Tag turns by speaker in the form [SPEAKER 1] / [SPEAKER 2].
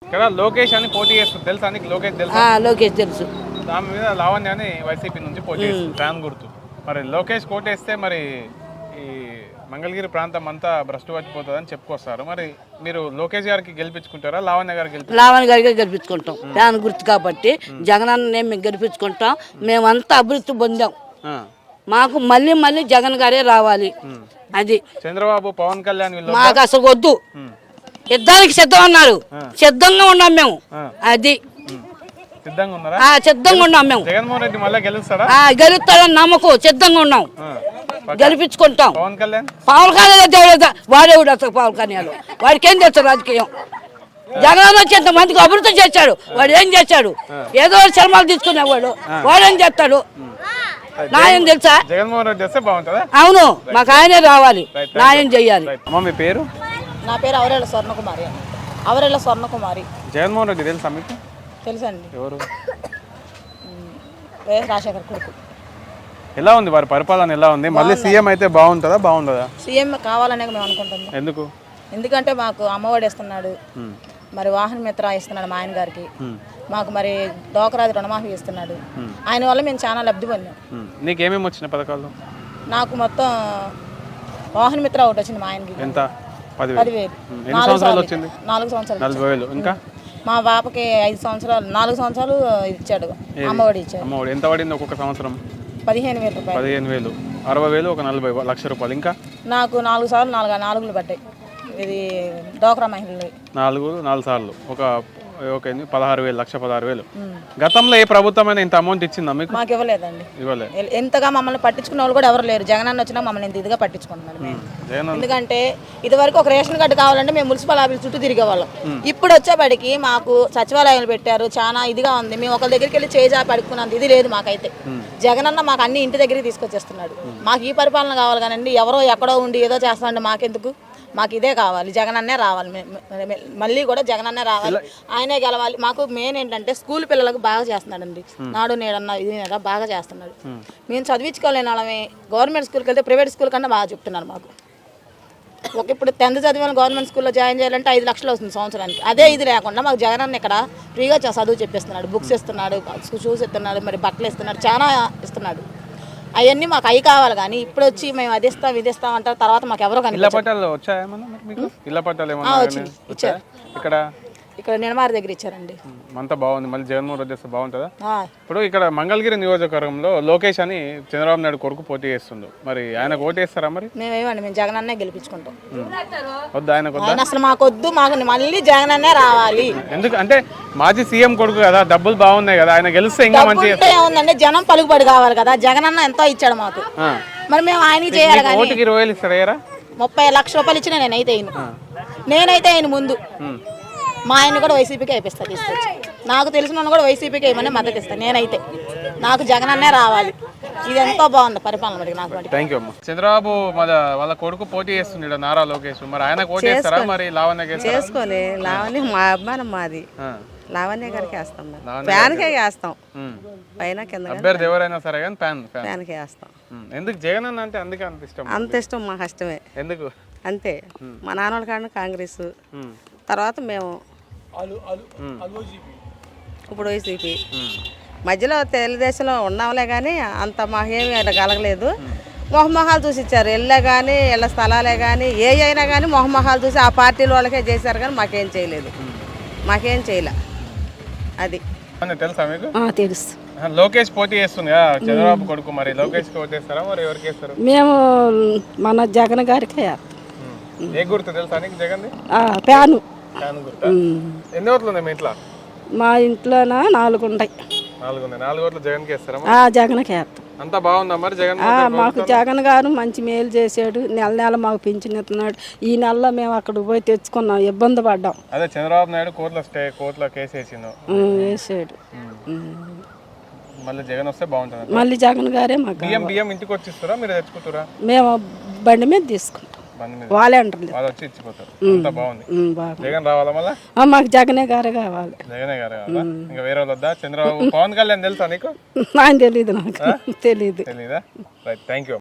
[SPEAKER 1] ఇక్కడ లోకేష్ అని పోటీ చేస్తుంది తెలుసా నీకు? లోకేష్ తెలుసా?
[SPEAKER 2] లోకేష్ తెలుసు.
[SPEAKER 1] దాని మీద లావణ్య అని వైసీపీ నుంచి పోటీ చేస్తుంది, ఫ్యాన్ గుర్తు. మరి లోకేష్ కోటేస్తే మరి ఈ మంగళగిరి ప్రాంతం అంతా భ్రష్టు పట్టిపోతుందని చెప్పుకొస్తారు. మరి మీరు లోకేష్ గారికి గెలిపించుకుంటారా, లావణ్య గారికి?
[SPEAKER 2] లావణ్య గారికి గెలిపించుకుంటాం. ఫ్యాన్ గుర్తు కాబట్టి జగనన్న మేము గెలిపించుకుంటాం. మేమంతా అభివృద్ధి పొందాం. మాకు మళ్ళీ మళ్ళీ జగన్ గారే రావాలి. అది
[SPEAKER 1] చంద్రబాబు, పవన్ కళ్యాణ్
[SPEAKER 2] మాకు అసలు వద్దు. యుద్ధానికి సిద్ధం అన్నారు, సిద్ధంగా ఉన్నాం మేము. అది
[SPEAKER 1] సిద్ధంగా ఉన్నారా?
[SPEAKER 2] సిద్ధంగా ఉన్నాం మేము.
[SPEAKER 1] జగన్మోహన్ రెడ్డి మళ్ళీ గెలుస్తాడా?
[SPEAKER 2] గెలుస్తాడని నమ్మకం, సిద్ధంగా ఉన్నాం. గెలిపించుకుంటాం.
[SPEAKER 1] పవన్ కళ్యాణ్
[SPEAKER 2] వాడేవుడు అసలు పవన్ కళ్యాణ్ వాడికి ఏం చేస్తాడు రాజకీయం? జగన్ వచ్చి ఎంత మందికి అభివృద్ధి చేశాడు. వాడు ఏం చేశాడు? ఏదో సినిమాలు తీసుకునేవాడు. వాడేం చేస్తాడు? న్యాయం తెలుసా?
[SPEAKER 1] జగన్మోహన్ రెడ్డి వస్తే బాగుంటుందా?
[SPEAKER 2] అవును, మాకు ఆయనే రావాలి, న్యాయం చెయ్యాలి.
[SPEAKER 1] మీ పేరు?
[SPEAKER 3] నా పేరు అవరేళ్ళ స్వర్ణకుమారి. అవరేళ్ళ స్వర్ణకుమారి.
[SPEAKER 1] జగన్మోహన్ రెడ్డి తెలుసా మీకు?
[SPEAKER 3] తెలుసండి.
[SPEAKER 1] ఎవరు?
[SPEAKER 3] వైఎస్ రాజశేఖర్ కొడుకు.
[SPEAKER 1] ఎలా ఉంది వారి పరిపాలన? ఎలా ఉంది? మళ్ళీ సీఎం అయితే బాగుంటుందా, బాగుంటుందా?
[SPEAKER 3] సీఎం కావాలనే మేము అనుకుంటున్నాం.
[SPEAKER 1] ఎందుకు?
[SPEAKER 3] ఎందుకంటే మాకు అమ్మఒడి ఇస్తున్నాడు, మరి వాహన మిత్ర ఇస్తున్నాడు మా ఆయన గారికి, మాకు మరి డోకరాది రుణమాఫీ ఇస్తున్నాడు. ఆయన వల్ల మేము చాలా లబ్ధి పొందాం.
[SPEAKER 1] నీకేమేమి వచ్చిన పథకాలు?
[SPEAKER 3] నాకు మొత్తం వాహన మిత్ర ఒకటి వచ్చింది మా ఆయనకి.
[SPEAKER 1] ఎంత?
[SPEAKER 3] 10,000.
[SPEAKER 1] 4 సంవత్సరాలు.
[SPEAKER 3] 40,000.
[SPEAKER 1] ఇంకా
[SPEAKER 3] మా పాపకి 5 సంవత్సరాలు 4 సంవత్సరాలు ఇచ్చాడు, అమ్మఒడి ఇచ్చాడు.
[SPEAKER 1] అమ్మఒడి ఎంత పడింది ఒక్కొక్క సంవత్సరం?
[SPEAKER 3] 15,000 రూపాయలు.
[SPEAKER 1] 15,000, 60,000, ఒక 40 లక్ష రూపాయలు. ఇంకా
[SPEAKER 3] నాకు 4 సార్లు 4 పడ్డాయి. ఇది డోక్రా మహిళలు
[SPEAKER 1] 4 సార్లు ఒక 16,000. గతంలో ఏ ప్రభుత్వమైనా ఇంత అమౌంట్ ఇచ్చిందా మీకు?
[SPEAKER 3] మాకు ఇవ్వలేదండి.
[SPEAKER 1] ఇవ్వలేదు.
[SPEAKER 3] ఎంతగా మమ్మల్ని పట్టించుకున్న వాళ్ళు కూడా ఎవరు లేరు. జగన్ అన్న వచ్చినా మమ్మల్ని ఇంత ఇదిగా పట్టించుకుంటున్నారు. ఎందుకంటే ఇది వరకు ఒక రేషన్ కార్డు కావాలంటే మేము మున్సిపల్ ఆఫీస్ చుట్టూ తిరిగేవాళ్ళం. ఇప్పుడు వచ్చేపడికి మాకు సచివాలయాలు పెట్టారు, చాలా ఇదిగా ఉంది. మేము ఒకరి దగ్గరికి వెళ్ళి చేజా పడుకున్నంత ఇది లేదు మాకైతే. జగన్ అన్న మాకు అన్ని ఇంటి దగ్గరికి తీసుకొచ్చేస్తున్నాడు. మాకు ఈ పరిపాలన కావాలి కానండి ఎవరో ఎక్కడో ఉండి ఏదో చేస్తామండి మాకెందుకు? మాకు ఇదే కావాలి, జగన్ అన్నే రావాలి. మళ్ళీ కూడా జగన్ అన్నే రావాలి, ఆయనే గెలవాలి. మాకు మెయిన్ ఏంటంటే స్కూల్ పిల్లలకు బాగా చేస్తున్నాడండి. నాడు నేడన్నా ఇది నేడా బాగా చేస్తున్నాడు. మేము చదివించుకోలేని వాళ్ళమే. గవర్నమెంట్ స్కూల్కి వెళ్తే ప్రైవేట్ స్కూల్ కన్నా బాగా చెప్తున్నారు మాకు. ఇప్పుడు 10th చదివిన గవర్నమెంట్ స్కూల్లో జాయిన్ చేయాలంటే 5 లక్షలు వస్తుంది సంవత్సరానికి. అదే ఇది లేకుండా మాకు జగన్ అన్న ఇక్కడ ఫ్రీగా చదువు చెప్పిస్తున్నాడు. బుక్స్ ఇస్తున్నాడు, షూస్ ఇస్తున్నాడు, మరి బట్టలు ఇస్తున్నాడు, చాలా ఇస్తున్నాడు. అవన్నీ మాకు అవి కావాలి. కానీ ఇప్పుడు వచ్చి మేము అది ఇస్తాం ఇది ఇస్తాం అంటారు, తర్వాత మాకు ఎవరో ఇక్కడ నిడమారి దగ్గర ఇచ్చారండి.
[SPEAKER 1] అంతా బాగుంది. మళ్ళీ జగన్మోహన్ రెడ్డి వస్తే బాగుంటుందా? ఇప్పుడు ఇక్కడ మంగళగిరి నియోజకవర్గంలో లోకేష్ అని చంద్రబాబు నాయుడు కొడుకు పోటీ చేస్తుండు. మరి ఆయన ఓటేస్తారా? మరి
[SPEAKER 3] మేమేమండి, మేము జగన్ అన్నే గెలిపించుకుంటాం.
[SPEAKER 1] వద్దు ఆయనకు?
[SPEAKER 3] అసలు మాకు వద్దు, మాకు మళ్ళీ జగన్ అన్నే రావాలి.
[SPEAKER 1] ఎందుకు అంటే మాజీ సీఎం కొడుకు కదా, డబ్బులు బాగున్నాయి కదా, ఆయన గెలిస్తే ఇంకా మంచిగా
[SPEAKER 3] ఏముందంటే జనం పలుకుబడి కావాలి కదా. జగన్ అన్న ఎంతో ఇచ్చాడు మాకు, మరి మేము ఆయనకి చేయాలి. కానీ
[SPEAKER 1] 20,000 ఇస్తాడా?
[SPEAKER 3] 30 లక్షల రూపాయలు ఇచ్చిన నేనైతే ఆయన ముందు మా ఆయన కూడా వైసీపీకి అయిపోతాను తీసుకొచ్చి. నాకు తెలిసిన కూడా వైసీపీకి ఏమన్నా మద్దతు ఇస్తాను. నేనైతే నాకు జగన్ అన్నే రావాలి. ఇది ఎంతో బాగుంది పరిపాలన. మరి నాకు
[SPEAKER 1] థ్యాంక్ యూ అమ్మ. చంద్రబాబు వాళ్ళ కొడుకు పోటీ చేస్తున్నాడు, నారా లోకేష్. మరి ఆయన పోటీ చేస్తారా? మరి లావణ్య
[SPEAKER 4] చేసుకోలే. లావణ్య మా అభిమానం, మాది లావణ్య గారికి వేస్తాం, ఫ్యాన్కే వేస్తాం. పైన కింద
[SPEAKER 1] అభ్యర్థి ఎవరైనా సరే కానీ
[SPEAKER 4] ఫ్యాన్కే వేస్తాం.
[SPEAKER 1] ఎందుకు జగన్ అన్న అంటే? అందుకే అంత ఇష్టం.
[SPEAKER 4] అంత ఇష్టం మాకు ఇష్టమే.
[SPEAKER 1] ఎందుకు?
[SPEAKER 4] అంతే. మా నాన్నల కాడ కాంగ్రెస్, తర్వాత మేము ఇప్పుడు వైసీపీ, మధ్యలో తెలుగుదేశంలో ఉన్నాంలే. కానీ అంత మాకేమి కలగలేదు. మొహమొహాలు చూసి ఇచ్చారు. ఇళ్ళే కానీ ఇళ్ళ స్థలాలే కానీ ఏ అయినా కానీ మొహమొహాలు చూసి ఆ పార్టీల వాళ్ళకే చేశారు. కానీ మాకేం చేయలేదు, మాకేం చేయలే. అది
[SPEAKER 1] తెలుసా మీకు?
[SPEAKER 2] తెలుసు.
[SPEAKER 1] లోకేష్ పోటీ చేస్తుంది కదా, చంద్రబాబు కొడుకు. మరి లోకేష్ ఓటేస్తారా? మరి ఎవరికి వేస్తారు?
[SPEAKER 2] మేము మన జగన్ గారికి.
[SPEAKER 1] ఏ గుర్తు తెలుసా నీకు జగన్?
[SPEAKER 2] ఫ్యాను.
[SPEAKER 1] ఎన్ని ఓట్లు ఉన్నాయి మీ ఇంట్లో?
[SPEAKER 2] మా ఇంట్లో 4 ఉంటాయి.
[SPEAKER 1] 4 ఓట్లు జగన్కి వేస్తారా?
[SPEAKER 2] జగన్కి వేస్తాం.
[SPEAKER 1] అంతా బాగుందా మరి జగన్?
[SPEAKER 2] మాకు జగన్ గారు మంచి మేలు చేశాడు. నెల మాకు పింఛన్ ఇస్తున్నాడు. ఈ నెలలో మేము అక్కడికి పోయి తెచ్చుకున్నాం, ఇబ్బంది పడ్డాం.
[SPEAKER 1] అదే చంద్రబాబు నాయుడు కోర్టులో కేసు వేసాడు. మళ్ళీ జగన్ వస్తే బాగుంటుంది.
[SPEAKER 2] మళ్ళీ జగన్ గారే మాకు.
[SPEAKER 1] బియ్యం ఇంటికి వచ్చి ఇస్తారా, మీరు తెచ్చుకుంటారా?
[SPEAKER 2] మేము బండి మీద తీసుకుంటాం. వాలంటీర్లు
[SPEAKER 1] వచ్చి ఇచ్చిపోతారు. అంతా బాగుంది. జగన్ రావాలా మళ్ళీ?
[SPEAKER 2] మాకు జగనే గారే కావాలి.
[SPEAKER 1] జగనే గారే కావాలా? ఇంకా వేరే వాళ్ళు వద్దా? చంద్రబాబు, పవన్ కళ్యాణ్ తెలుసా నీకు?
[SPEAKER 2] ఆయన తెలీదు, నాకు తెలీదు.
[SPEAKER 1] తెలీదా? Right, thank you.